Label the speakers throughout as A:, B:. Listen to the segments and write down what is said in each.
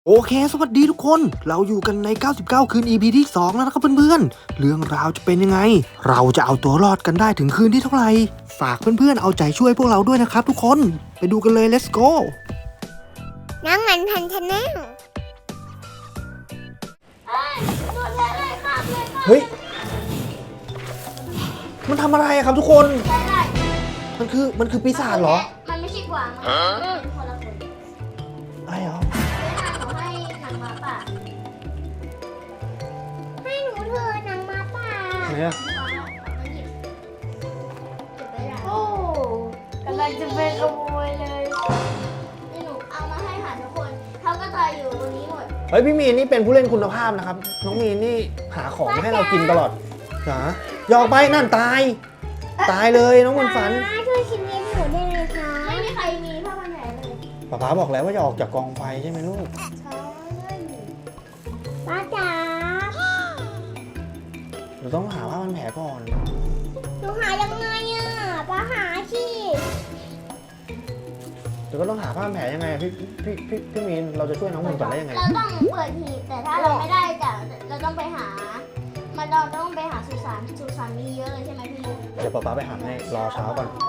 A: โอเคสวัสดีทุกคนเราอยู่กันใน99คืน EP ที่2แล้วนะครับเพื่อนๆเรื่องราวจะเป็นยังไงเราจะเอาตัวรอดกันได้ถึงคืนที่เท่าไหร่ฝากเพื่อนๆเอาใจช่วยพวกเราด้วยนะครับทุกคนไปดูกันเลย let's go
B: น้องมันทันชาแนล
A: เฮ้ยมันทำอะไรอะครับทุกคนมันคือปีศาจเหรอ
B: มันไม่ใช่กวางมันคนละคน
A: อะไรเหรอ
B: เขาให้หนังหมาป่าให้หนูเถอะหนังหมาป่า
A: ไหนอะ
B: โอ้กำลังจะไปขโมยเลยนี่หนูเอามาให้หาทุกคนเขาก็ตายอยู่บนนี้หมด
A: เฮ้ยพี่มีนนี่เป็นผู้เล่นคุณภาพนะครับน้องมีนนี่หาของมาให้เรากินตลอดนะยออกไปนั่นตายเลยน้องมันฝัน
B: ช่วยชีวิตหนูได้เลยคะไม่มีใครมีผ้าพันแผลเลย
A: ป๊าบอกแล้วว่าจะออกจากกองไฟใช่ไหมลูก
B: ใช่ป้าจ๋า
A: เราต้องหาผ้าพันแผลก่อน
B: หนูหายังไงอ่ะป้าหาสิ
A: เดี๋ยวก็ต้องหาผ้าพันแผลยังไงพี่มีนเราจะช่วยน้องมันฝันได้ยังไง
B: เราต้องเปิดหีบแต่ถ้าเราไม่ได้จะเราต้องไปหาเราต้องไปหาสุสานมีเยอะเลยใช่ไหมพี่มุก
A: เดี๋ยวป๊าไปหาให้รอเช้าก่อน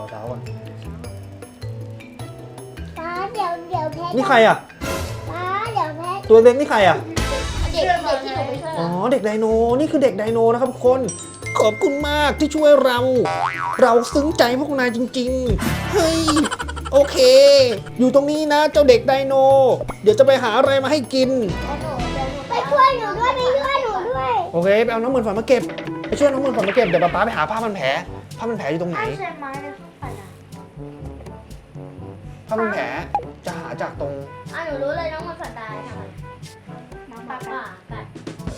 B: ป้าเดี๋ยวแพ้
A: นี่ใครอ่ะ
B: ป้าเดี๋ยวแพ้
A: ตัวเล็กนี่ใครอ่ะ
B: เด็กที่หนูไปช่วย
A: อ๋อเด็กไดโนนี่คือเด็กไดโนนะครับทุกคนขอบคุณมากที่ช่วยเราซึ้งใจพวกนายจริงๆเฮ้ยโอเค อยู่ตรงนี้นะเจ้าเด็กไดโนเดี๋ยวจะไปหาอะไรมาให้กิน
B: ไปช่วยหนูด้วย
A: โอเคไปเอาน้องมันฝันมาเก็บไปช่วยน้องมันฝันมาเก็บเดี๋ยวป๊าไปหาผ้าพันแผลอยู่ตรงไหน
B: ใช่ไหมไปนะ
A: ผ้าพันแผลจะหาจากตรง
B: หนูรู้เลยน้องมันสัตว์ตายค่ะน้องป้ากัด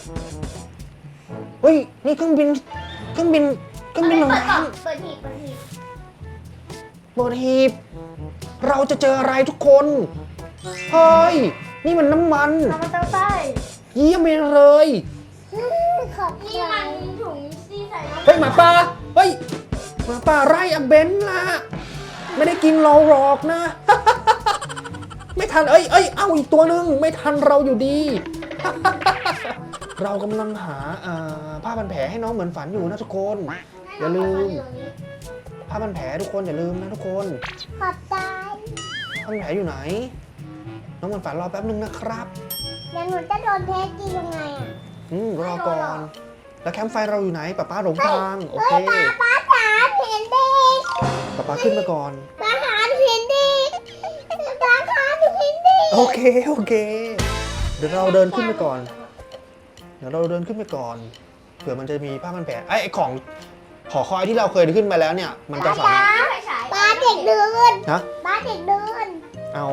A: เฮ้ยนี่เครื่องบินลงน้ำ
B: เปิดหีบ
A: เปิดหีบเราจะเจออะไรทุกคนเฮ้ยนี่มันน้ำมัน
B: น้องมันเต้าไส้
A: เยี่ยมไปเลย
B: ขอบนี่มันถุงที่ใส่
A: เฮ้ยหมาป่าเฮ้ยหมาป่าไล่อะเบนล่ะไม่ได้กินเราหรอกนะ ไม่ทันเอ้ยเอาอีกตัวหนึ่งไม่ทันเราอยู่ดี เรากำลังหาผ้าพันแผลให้น้องเหมือนฝันอยู่นะทุกคนอย่าลืมผ้าพันแผลทุกคนอย่าลืมนะทุกคน
B: ขอบใจ
A: ผ้าพันแผลอยู่ไหน น้องเหมือนฝันรอแป๊บนึงนะครับ
B: เดี๋ยวหนูจะโดนเทสกินยังไงอ่ะ
A: รอก่อนแล้วแคมป์ไฟเราอยู่ไหนป้าหลงทางโอเค
B: ป้าจ๋าเห็นเด็ก
A: ป้าขึ้นมาก่อน
B: ป้าหาเห็นเด็กป้าหาเห็นเด็ก
A: โอเคเดี๋ยวเราเดินขึ้นไปก่อนเผื่อมันจะมีผ้าพันแผลไอ้ของหอคอยที่เราเคยขึ้นไปแล้วเนี่ยมันจะสามารถ
B: ป้าเด็กเดิน
A: นะ
B: ป้าเด็กเดิน
A: เอา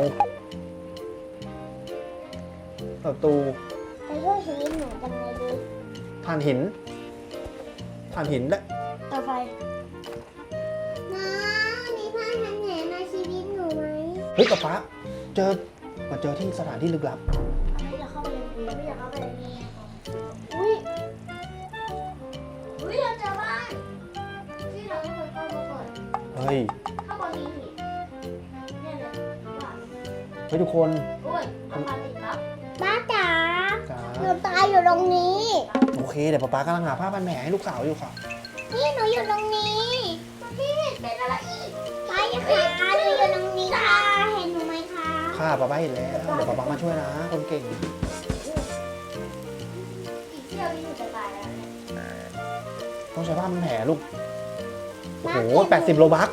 A: ประตู
B: ไปช่วยชีวิตหนูกันเลยดิ
A: ถ่านหินได้
B: ต่อไปน้ามีผ้าพันแผลมาชีวิตหนูไหม
A: เฮ้ยป๊ามาเจอที่สถานที่ลึกลับ
B: ไม่อยากเข้าไปเลยไม่อยากเข้าไปเลยอุ้ยเราเจอบ้านที่เราไม่เคยเข้ามาก่อน
A: เฮ้ย
B: ข้างบนมีหินเนี่ยเลยบ้าน
A: เฮ้ยทุกคน
B: โอ้ยมาปาติดแล้วป้าจ๋า
A: จ้า
B: หนูตายอยู่ตรงนี้
A: โอเคเดี๋ยวป๊ากำลังหาผ้าพันแผลให้ลูกสาวอยู่ค่ะ
B: นี่หนูอยู่ตรงนี้พี่เป็นอะไรอีกไปค่ะหนูอยู่ตรงนี้ค่ะเห็นหนูไหมคะ
A: ค่ะป๊าเห็นแล้วเดี๋ยวป๊ามาช่วยนะคนเก่ง
B: อีกเที่ยวนี้หนูจะตายแล้วเนี่ย
A: ต้องใช้ผ้าพันแผลลูกโอ้โห80 โลบัค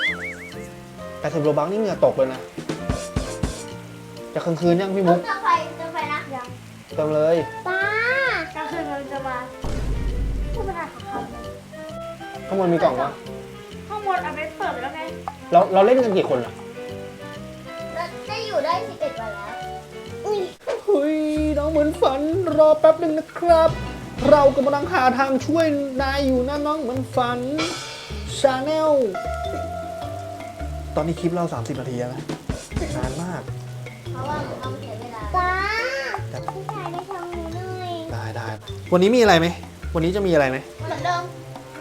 A: นี่เหงื่อตกเลยนะจะกลางคืนยังพี่มุก
B: เติมไฟนะยัง
A: เติมเลย
B: ป้ากลางคืนเราจะมาผู้ประกาศของเขา
A: ข้างบนมีกล่องวะ
B: ข้างบนเอาไปเปิดแล้วไง
A: เราเล่นกันกี่คนอ่ะ
B: จะอยู่ได้11 วันแล้วอุ้ย
A: เฮ้ยน้องเหมือนฝันรอแป๊บหนึ่งนะครับ เรากำลังหาทางช่วยนายอยู่นะน้องเหมือนฝันชาแนลตอนนี้คลิปเรา30 นาทีแล้วนะนานมาก
B: เพราะว่าหนูต้องเสียเวลาป้าพี่ชายได้ทำหนูหน่อย
A: ได้วันนี้มีอะไรไหมวันนี้จะมีอะไรไหม
B: เหมือนเดิม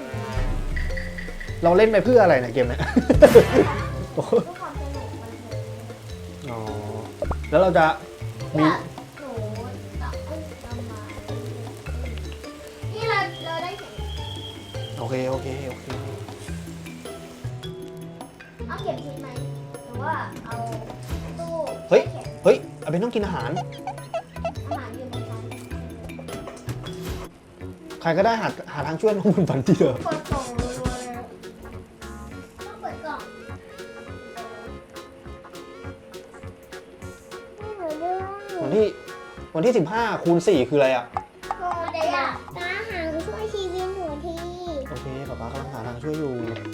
A: เราเล่นไปเพื่ออะไรเนี่ยเกมเนี้ย
B: เพื่อความสนุกมันเถอะ
A: อ๋อแล้วเราจะมี
B: หนูต้องมานี่เราได้เห็น
A: โอเคโอเคโอเค
B: เอาเก็บทิ้งไหมหรือว่าเอาตู้
A: เฮ้ย
B: เก็บ
A: เฮ้ยอาเบนต้องกินอาหาร
B: อาหารอยู่ในนั้น
A: ใครก็ได้หาทางช่วยน้องบุญฝันทีเถอะ
B: เปิดกล่องรัวๆเลยต้องเปิดกล่องไม่เหมือนเดิม
A: วันที่15คูณ4คืออะไรอ่ะ
B: โอ้เดี๋ยวตาหาช่วยชีวิตหนูที
A: โอเคป๊าป๊ากำลังหาทางช่วยอยู่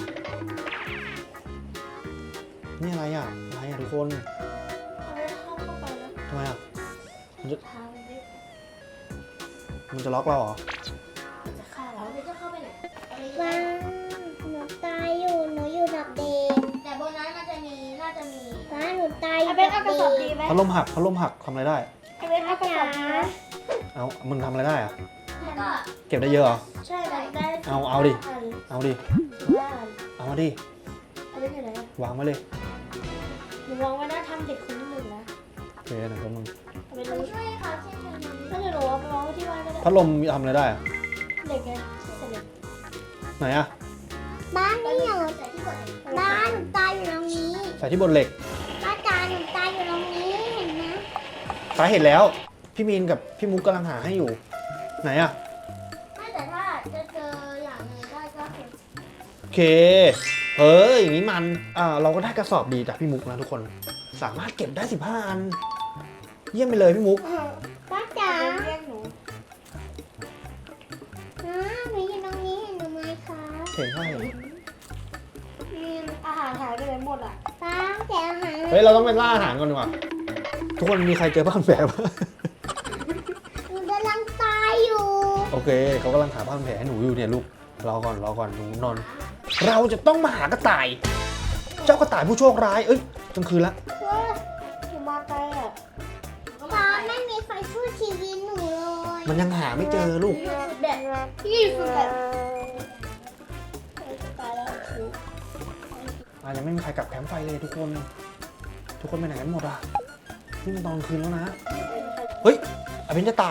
A: นี่อะไรอ่ะทุกคน
B: เอาไปเข้าไปแล้ว
A: ทำไมอ่ะ
B: ทางนี้
A: มันจะล็อกเราเหรอ
B: จะเข้าแล้วจะเข้าไปไหน
C: ว้าวหนูตายอยู่ หนูอยู่ดับเดน
B: แต่บนนั้นมันจะมีน่าจะมี
C: ว้าหนูตายอยู่
B: เอาเป็นเอากระสอบดีไหม
A: พัดลมหักทำอะไรได้
B: เอาเป็นเอากระสอบดีไหม
A: เอามึงทำอะไรได้อ่ะ
B: แล้วก็
A: เก็บได้เยอะเหรอ
B: ใช่ได้
A: เอาดิ เอาดิ
B: ได้
A: เอามาดิ
B: เอาเป็นยังไง
A: วางไว้เลย
B: หนูมองว่าน่าทำเด็กคนนึงนะ
A: โอเคหนึ่งคนมึง
B: เอาเป็นช่วยเขาเช่นกันถ้าหนูเอาไปวางไว้ที่บ้านก็ได้
A: พัดลมทำอะไรได้อ่ะ
B: เด็กไงเด็ก
A: ไหนอ่ะ
C: บ้านนี่หนู
B: ใส่ที่กด
C: บ้านหนูตายอยู่ตรงนี้
A: ใส่ที่บนเหล็ก
C: บ้านจ๋าหนูตายอยู่ตรงนี้ เห็นไหม
A: ฟ้าเห็นแล้ว พี่มีนกับพี่มุกกำลังหาให้อยู่ ไหนอ่ะ
B: ไม่แต่ถ้าจะเจออย่างหนึ่งได้ก็คือ
A: โอเค อย่างนี้มัน เราก็ได้กระสอบดีจากพี่มุกนะทุกคน สามารถเก็บได้15 อัน เยี่ยมไปเลยพี่มุก
C: บ้านจ๋า
B: เรียกหนู
C: หนูอยู่ตรงนี้เห็นหนูไหมคะ
A: เห็นใช่
B: มีอาหารหายไปไหนหมดอ่ะ
C: ป้าแต่อาหาร
A: เฮ้ย เราต้องไปล่าอาหารก่อนดีกว่า ทุกคนมีใครเจอบ้านแผลบ้าง
C: หนูกำลังตายอยู่
A: โอเค เขากำลังหาบ้านแผลให้หนูอยู่เนี่ยลูก รอก่อนหนูนอน เราจะต้องมาหากระต่าย เจ้ากระต่ายผู้โชคร้าย เอ้ยกลางคืนละ
B: หนูมาไกลอ่ะ
C: ป้าไม่มีใครช่วยชีวิตหนูเลย
A: มันยังหาไม่เจอลูก
B: อยู่สุดแบบพี่อยู่สุดแบบตายแล้ว
A: ยังไม่มีใครกลับแคมป์ไฟเลยทุกคน ทุกคนไปไหนกันหมดอ่ะ นี่มันตอนกลางคืนแล้วนะ เฮ้ยอาเบนจะตาย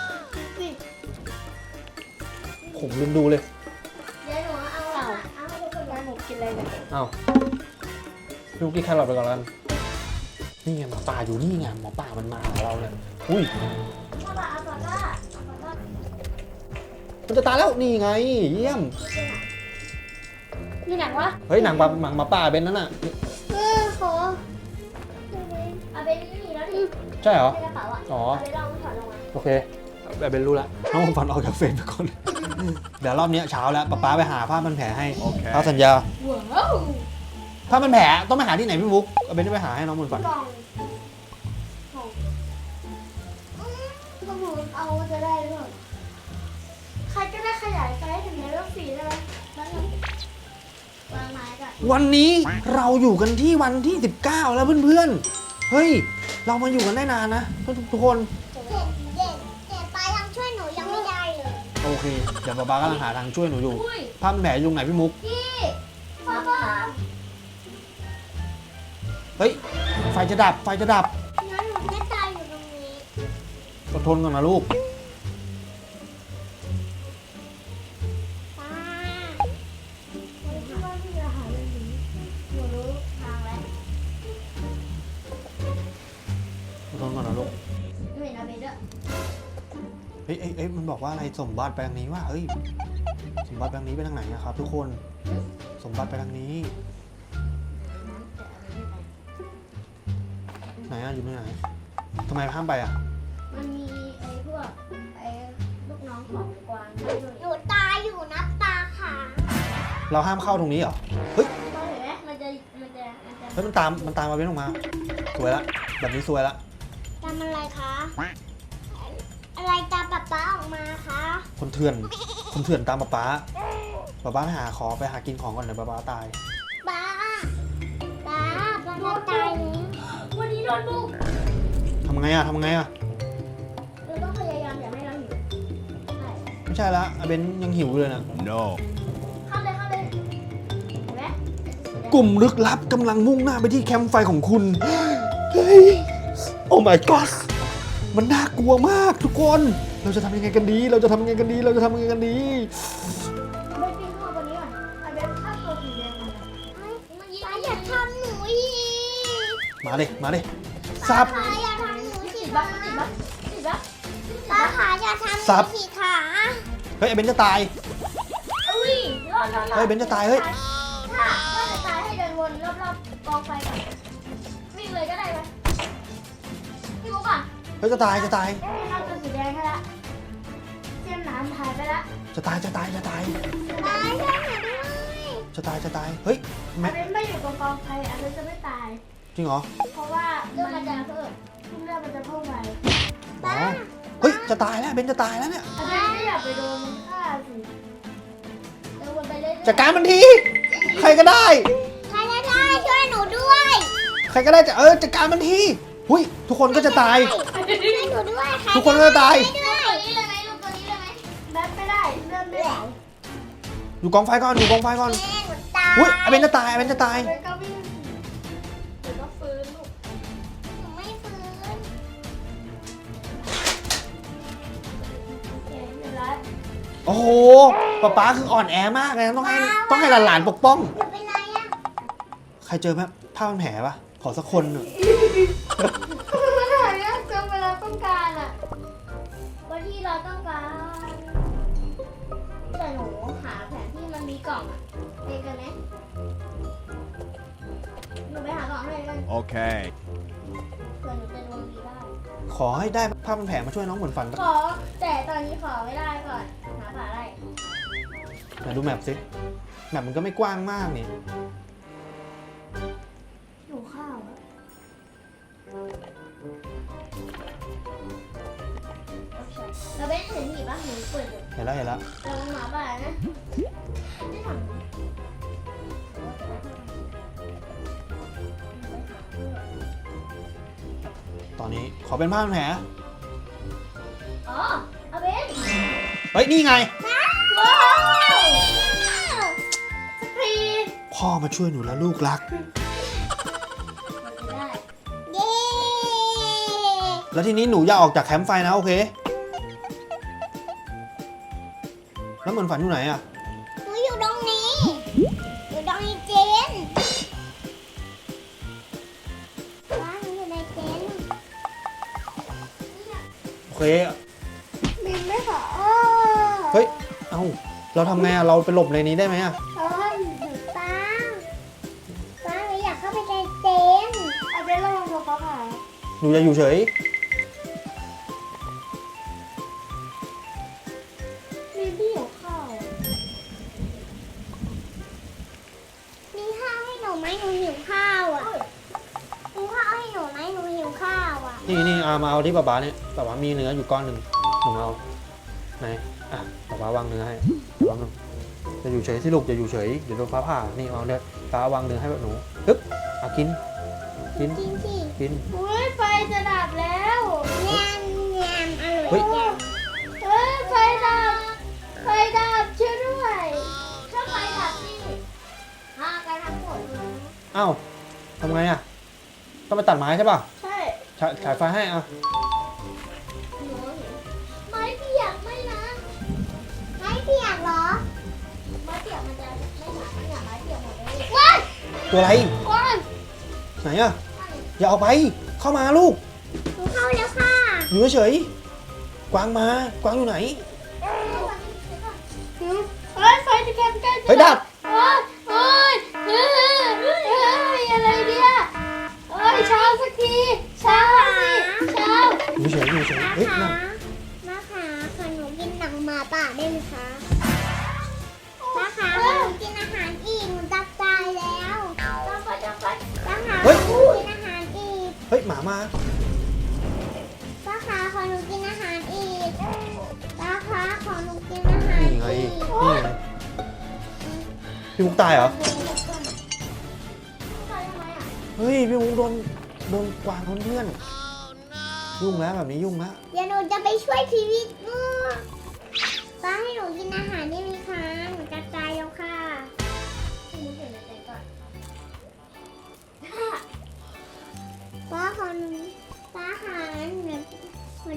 A: ผมลืมดูเลย
B: เดี๋ยวหนูเอาให้ทุกคนมาหนูกินอะไรเนี่ย
A: เอ้าพี่มุกกินแครอทไปก่อนแล้วกันนี่ไงหมอป่าอยู่นี่ไงหมอป่ามันมาหาเราเนี่ยอุ้ย
B: พ่อปาเอาปากก้า
A: มันจะตายแล้วนี่ไง เยี่ยม
B: มีหนังวะ
A: เฮ้ยหนังหมาป่าเบนนั่นน่ะ
C: ขอ
B: เอาไปนี่แล้วดิ
A: ใช่เหรอ
B: ในกระเป๋าอ่ะ
A: อ๋อ
B: เอาไปลองถอดลงมา
A: โอเคเบนรู้แล้วน้องฝันออกจากเฟรมไปก่อน เดี๋ยวรอบนี้เช้าแล้วป๊าไปหาผ้าพันแผลให้ผ้าสัญญา
B: ว้าว
A: ผ้าพันแผลต้องไปหาที่ไหนพี่มุกเบนจะไปหาให้น้องบุญฝัน
B: กล่องก็หนูเอาจะได้หรือเปล่าใครก็ได้ขยายไซส์ถึงเลเวล4ได้ไหมแล้วหนูวางไม้ก่อน
A: วันนี้เราอยู่กันที่วันที่ 19 แล้วเพื่อนๆ เฮ้ย เรามาอยู่กันได้นานนะทุกคน
C: เด็กป้ายังช่วยหนูยังไม่ได้เลย
A: โอเค เดี๋ยวป๊ากำลังหาทางช่วยหนูอยู่
B: อุ้ย
A: ผ้าพันแผลอยู่ตรงไหนพี่มุก
B: พี่พ่อพ่อ
A: เฮ้ย ไฟจะดับ
C: งั้นหนูไม่ตายอยู่ตรงนี้
A: อดทนก่อนนะลูก
C: ป้า
B: ที่ว่าพี่จะหาเรื่องนี้หนูรู้ทางแล้ว
A: อดทนก่อนนะลูก
B: หนูเห็นอาเบนด้วย
A: เฮ้ยมันบอกว่าอะไรสมบัติไปทางนี้ว่าเฮ้ย สมบัติไปทางนี้ไปทางไหนนะครับทุกคน สมบัติไปทางนี้ ไหนอะอยู่ที่ไหนทำไมห้ามไปอะ
B: มันมีไอ้พวกไอ้ลูกน้องของกวางด้วย
C: หนูตายอยู่นะตาค่ะ
A: เราห้ามเข้าตรงนี้เหรอ เฮ้ย
B: เราเห็นไหมมันจะ
A: เฮ้ยมันตามมาเว้นออกมา สวยละ แบบนี้สวยละ
C: ทำอะไรคะ อะไรตามป๊าออกมาคะ
A: คนเถื่อนตามป๊าไปหากินของก่อนเดี๋ยวป๊าตาย
C: ป้าตายแล้ว
B: วันนี้โดนบุก
A: ทำไงอะ
B: เราต้องพยายามอย่าให้เราหิวใช่
A: ไม่ใช่ละอาเบนยังหิวอยู่เลยนะ
D: No.
B: เข้าเลยเห็นไหม
A: กลุ่มลึกลับกำลังมุ่งหน้าไปที่แคมป์ไฟของคุณ เฮ้ย โอ้ my god มันน่ากลัวมากทุกคนเราจะทำยังไงกันดีเราจะทำยังไงกันดีเราจะทำยังไงกันดี
B: ไปกินข้าววันนี้ก่อนเอาเบนข้าวตัวสีแดงมา
C: ป้าอย่าทำหนูอีก
A: มาเลยมาเลยซับ
C: ป้าอย่าทำหนูสิ
B: ติดบ้างติดบ้างติดบ้าง
C: ป้าขาอย่าทำหนู
A: ซับ
C: สิขา
A: เฮ้ยไอ้เบนจะตาย
B: อุ้ยรอด
A: เฮ้ยเบนจะตายเฮ้ย
B: ถ้าจะตายให้เดินวนรอบๆกองไฟก่อนวิ่งเลยก็ได้ไหมพี่มุกอ่ะ
A: เฮ้ยจะตายจะตาย
B: ข้าวตัวสีแดงให้ละเส้นน้ำหายไปละ
A: จะตายจะตายจะตาย
C: ป้าช่วยหนูด้วย
A: จะตายจะตายเฮ้ย
B: อั
A: แม่
B: นนี้ไม่อยู่ตรงกองไฟอันนี้จะไม่ตาย
A: จริงเหรอ
B: เพราะว่าเลือดมันจะเพิ่มเลือดมันจะเพิ่มไป
A: อ๋อเฮ้ยจะตายแล้วเบนจะตายแล้วเนี่ย
B: อันนี้ไม่อยากไปโดนมันฆ่าสิเดินวนไปเรื่อยๆ
A: จัดการมันทีใครก็ได้
C: ใครก็ได้ช่วยหนูด้วย
A: ใครก็ได้จะจัดการมันทีหุยทุกคนก็จะตาย
C: ช่วยหนูด้วยใคร
A: ทุกคนก็จะตาย
C: ด้วย
B: ตัวนี้เลยไหมลูกตัวนี้เลยไหมแบทไม่ได้เลื่อนไม่ไหว
A: อยู่กองไฟก่อนอยู่กองไฟก่อน
C: แม่หนูตาย
A: หุยไอ้เบนจะตายไอ้เบนจะตาย
B: เบนก็วิ่งเดี๋ยวก็ฟื้นลูก
C: หนูไม่ฟื้น
B: โอเคเรียบร้อย
A: โอ้โหป๊าคืออ่อนแอมากเลยนะต้องให้หลานๆปกป้อง
C: หนูเป็นไรอะ
A: ใครเจอไหมผ้าพันแผลปะขอสักคนหนึ่ง
B: มันหายากจังเวลาต้องการอ่ะวันที่เราต้องการแต่หนูหาแผนที่มันมีกล่องอ่ะเจอกันไหมหนูไปหากล่องให้เลย
D: Okay.
B: เผื่อหนูจะดวงดีได้
A: ขอให้ได้ผ้าพันแผลมาช่วยน้องเหมือนฝัน
B: ขอแต่ตอนนี้ขอไม่ได้ก่อนหาฝาได้
A: ไหนดูแมปสิแมปมันก็ไม่กว้างมากนี่
B: หนูข้าวอะเราไม่เห็นหีบป่ะหนูเปิดอยู่
A: เห็นแล้วเห็นแล้ว
B: เราหมาบ้านะไม่ทำ
A: ตอนนี้ขอเป็นผ้าพันแผล
B: อ๋อเอาเบน
A: เฮ้ยนี่ไง
B: ว้าวสกรีน
A: พ่อมาช่วยหนูแล้วลูกรัก
B: ได้
C: เย้
A: แล้วทีนี้หนูอย่าออกจากแคมป์ไฟนะโอเค แล้วเหมือนฝันอยู่ไหนอะ
C: หนูอยู่ตรงนี้ อยู่ตรงนี้เจนว้าหนูอยู่ในเจน
A: โอเค
B: บินไม่ขอ
A: เฮ้ย เอ้า เราทำไงอะเราไปหลบในนี้ได้ไหมอะ
B: เพราะว่า
C: ป้าป้าหนูอยากเข้าไปในเจน
B: เอาเบนระวังตัวเขาหาย
A: หนูจะอยู่เฉย
B: มีพี่อยู่ข้าว
C: มีข้าวให้หนูไหมหนูหิวข้าวอ่ะมีข้าวให้หนูไหมหนูหิวข้าวอ่ะ
A: นี่เอามาเอาที่ป๊าเนี่ยป๊ามีเนื้ออยู่ก้อนหนึ่งหนูมาเอาไหนอ่ะป๊าวางเนื้อให้วางหนึ่งจะอยู่เฉยสิลูกจะอยู่เฉยเดี๋ยวโดนฟ้าผ่านี่เอาเลยป๊าวางเนื้อให้หนูปึ๊บอ่ะกิน
C: กินสิ
A: กิน
B: อุ้ยไฟจะดับแล้ว
C: แยมแยมอ
A: เฮ้
C: ร่อย ยแยม
B: เฮ้ยไฟดับไฟดับช่วยด้วยถ้าไฟดับนี่การทำหมดเลย
A: เอ้าทำไงอะต้องไปตัดไม้ใช่ป่ะ
B: ใช่
A: ฉายไฟให้อ่ะ
B: หนูเห็นไม้เปียกไม่นะ
C: ไม่เปียกเหรอ
B: ไม้เปียกมันจะไม่หนาไม่หนาไม้เปียกหมดเลย
A: ตัวอะไร
B: ก้อน
A: ไหนอะอย่าเอาไปเข้ามาลูก
C: หนูเข้าแล้วค่ะ
A: อยู่เฉยๆกวางมากวางอยู่ไหน
B: เฮ้ยไฟจะแกมใกล้จะ
A: เฮ้ยดับ
B: เฮ้ยเฮ้ยอะไรเนี่ยเฮ้ยเช้าสักทีเช้าสิเช้า
A: อยู่เฉยอยู่เฉย
C: มา
A: เฮ้ย
C: ขา
A: นั่น
C: มาขาขอหนูกินหนังหมาป่าได้ไหมคะมาขาขอหนูกินอาหารอีกหนูจะตายแล้ว
B: จังไป
C: มาขาขอหนูกินอาหารอีก
A: เฮ้ยหมามา
C: ป้าขาขอหนูกินอาหารอีกป้าขาขอหนูกินอาหาร
A: นี่ไง
C: อีก
A: นี่ไงพี่มุกตายเหรอ เฮ้ยพี่มุกโดนกวางเพื่อนยุ่งแล้วแบบนี้ยุ่งแล้ว
C: เดี๋ยวหนูจะไปช่วยชีวิตงูป้าให้หนูกินอาหารได้ไหมคะหนูจะตายแล้วค่ะป้าขอหนูป้าขาหนู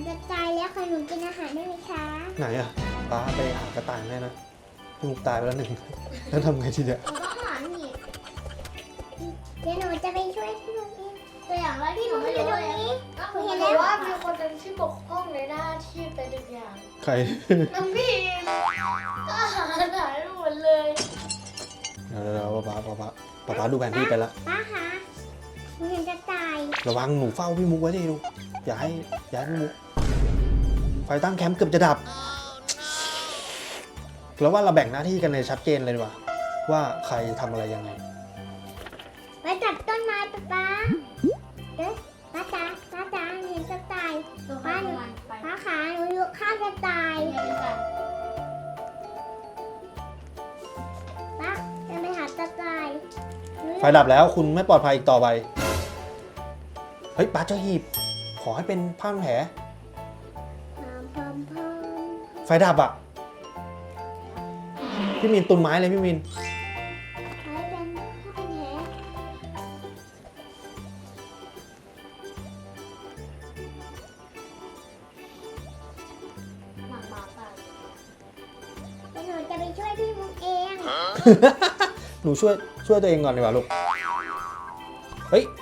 C: อยากให้หนูกินอาหารได้ไหมคะ
A: ไหนอะป้าไปหากระต่ายแม่นะพี่มุกตายไปแล้วหนึ่ง แล้วทำไงทีเดียว
B: เราต้องหาหนีบ
C: เดี๋ยวหนูจะไปช่วยพี่มุกเอง
B: ตัวอย่างแรกที่หนูไม่รู้เลยก็คือ
C: เห็น
B: ห
C: แล้
B: นู
C: ว
B: ว่ามีคนหนึ่งที่บกพร่องในหน้าที่เป็นทุกอย่าง
A: ใคร
B: น้ำพี่อาหารหายไปหมดเลย
A: เดี๋ยวป้าดูแผนที่ไปละ
C: ป้าคะหนูเห็นกระต่าย
A: ระวังหนูเฝ้าพี่มุกไว้ดิลูกอย่าให้พี่มุกไฟตั้งแคมป์เกือบจะดับ แล้วว่าเราแบ่งหน้าที่กันเลยชัดเจนเลยดีกว่าว่าใครทำอะไรยังไง
C: ไปจับต้นไม้ป้าเด้อป้าจ๋าเห็นกระต่าย
B: ตัวข้างหลังไป
C: ป้าขาหนูอยู่ข้างกระต่าย
B: เรียนกัน
C: ป้าจะไปหากระต่ายหนู
A: ไฟดับแล้วคุณไม่ปลอดภัยอีกต่อไป เฮ้ยป้าเจอหีบ ขอให้เป็นผ้าพันแผล
C: พร้อม
A: ไฟดับอ่ะ พี่มินตุนไม้เลยพี่มิน
C: ให้เป็นแผล
B: หนังบาตาย
C: เดี๋ยวหนูจะไปช่วยพี่มุกเอง
A: หนูช่วยตัวเองก่อนดีกว่าลูก เฮ้ย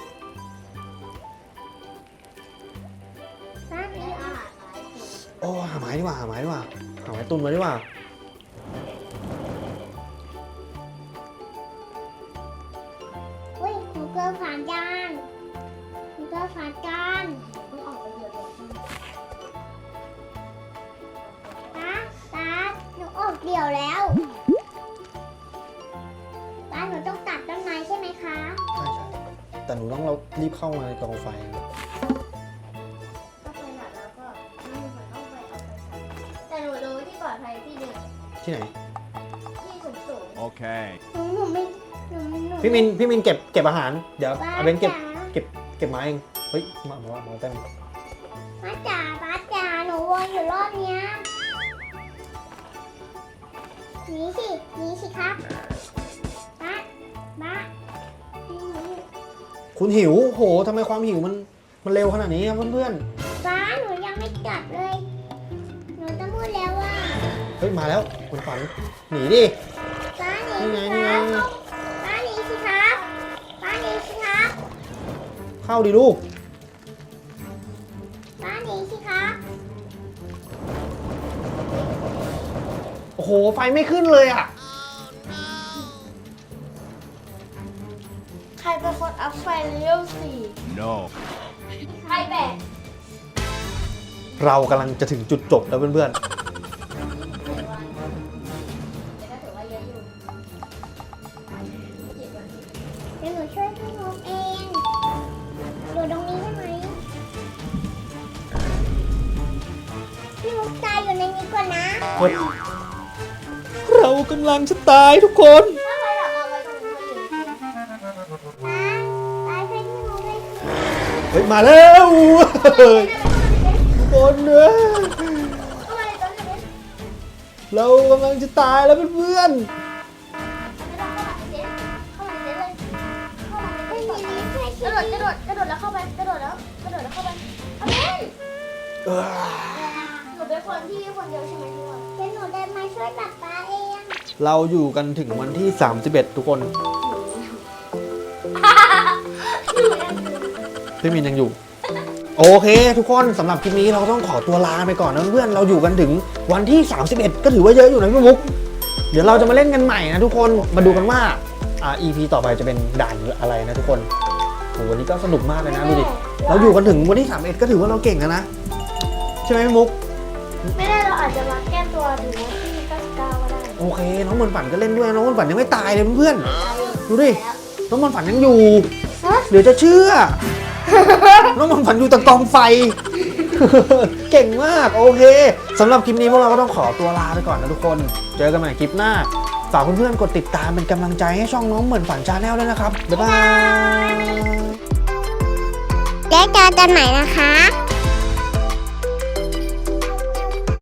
C: ป้า
B: ได้อาหารหลายคน
A: โอ้หาไม้ดีกว่าหาไม้ตุนมาดีกว่า
C: อุ้ยหนูเกินผ่านจานหนูเกินผ่านจาน
B: ต้องออกไปเยอะเลย
C: ป้าหนูออกเดี่ยวแล้วป้าหนูต้องตัดต้นไม้ใช่ไหมคะ
A: ใช่แต่หนูต้องเรารีบเข้ามาในกองไฟนะ
B: ก็ไปหนักแล้วก็ไม่มีคนต้องไปเอาไปใช้แต่หนูรู้ที่ปลอดภัยที่หนึ่ง
A: ที่ไหน
B: ที่สูง
D: Okay.
C: หนูไม่
A: พี่มินเก็บอาหาร เดี๋ยว
C: ป้า
A: เอาเบนเก็บ
C: จ๋า
A: เก็บไม้เอง เฮ้ย มาเต้น
C: ป้าจ๋าหนูวนอยู่รอบเนี้ยหนีสิครับป้าหนี
A: คุณหิวโหทำไมความหิวมันเร็วขนาดนี้ครับเพื่อน
C: ป้าหนูยังไม่กลับเลย หนูจะพูดแล้วว่า
A: ๆ เฮ้ย มาแล้วคุณฝัน หนีดิ
C: ป้าหนี
A: นี่ไง
C: สิ
A: นี่
C: ค
A: ไง
C: รับป้าหนีสิครับป้าหนีสิครับ
A: เข้าดิลูก
C: ป้าหนีสิครับ
A: โอ้โห ไฟไม่ขึ้นเลยอ่ะ
B: ใครเป็นคนอัพไฟเลเวล
D: No.
B: 4ใครแบก
A: เรากำลังจะถึงจุดจบแล้วเพื่อน
B: แต่ก็ถือว่าเยอะอยู่
C: เดี๋ยวหนูช่วยพี่มุกเองอยู่ตรงนี้ใช่ไหมพี่มุกตายอยู่ในนี้ก่อนนะ
A: ๆเฮ้ยเรากำลังจะตายทุกคน
B: ถ้าใครหลับเอาไว้ตรงนี้อยู่
C: ตายเพื่อนพี่มุกเลย
A: เฮ้ย มาแล้วทุกคนเนอะ
B: เข้ามาในต้นเลย
A: เรากำลังจะตายแล้วเพื่อน
B: ไม่ต้องเข้ามาในเต็นท์เข้ามาในเต็นท์เลยเข้ามาใน
C: ไม่
B: เต็นท์
C: มี
B: ก่อน
C: นี้ช่วย
B: ก
C: ชี
B: ระโด
C: วิ
B: ด
C: ต
B: กระโดดแล้วเข้าไปกระโดดแล้วเข้าไปเอาเล่น
A: ๆเออ
B: หนูเป็นคนที่คนเดียวใช่ไหมทุกคน
C: เดี๋ยวหนูเดินมาช่วยป๊าป๊าเอง
A: เราอยู่กันถึงวันที่ 31 ทุกคน พี่มินยังอยู่ โอเค ทุกคนสำหรับคลิปนี้เราต้องขอตัวลาไปก่อนนะเพื่อนเราอยู่กันถึงวันที่ 31 ก็ถือว่าเยอะอยู่นะพี่มุก เดี๋ยวเราจะมาเล่นกันใหม่นะทุกคนมาดูกันว่าEP ต่อไปจะเป็นด่านอะไรนะทุกคนโหวันนี้ก็สนุกมากเลยนะดูดิเราอยู่กันถึงวันที่ 31 ก็ถือว่าเราเก่งแล้วนะใช่ไหมพี่มุก
B: ไม่ได้เราอาจจะมาแก้ตัวถึงวันที่99ก็ได้
A: โอเค น้องมนต์ฝันก็เล่นด้วยน้องมนต์ฝันยังไม่ตายเลยเพื่อนๆดูดิ
B: แล้ว
A: น้องมนต์ฝันยังอยู่เดี๋ยวจะเชื่อ น้องมนต์ฝันอยู่ตะกองไฟ เก่งมากโอเคสำหรับคลิปนี้พวกเราก็ต้องขอตัวลาไปก่อนนะทุกคนเจอกันใหม่คลิปหน้าฝากเพื่อนๆกดติดตามเป็นกำลังใจให้ช่องน้องเหมือนฝันชาแนลด้วยนะครับบ๊ายบาย
C: แล้วเจอกันใหม่นะคะ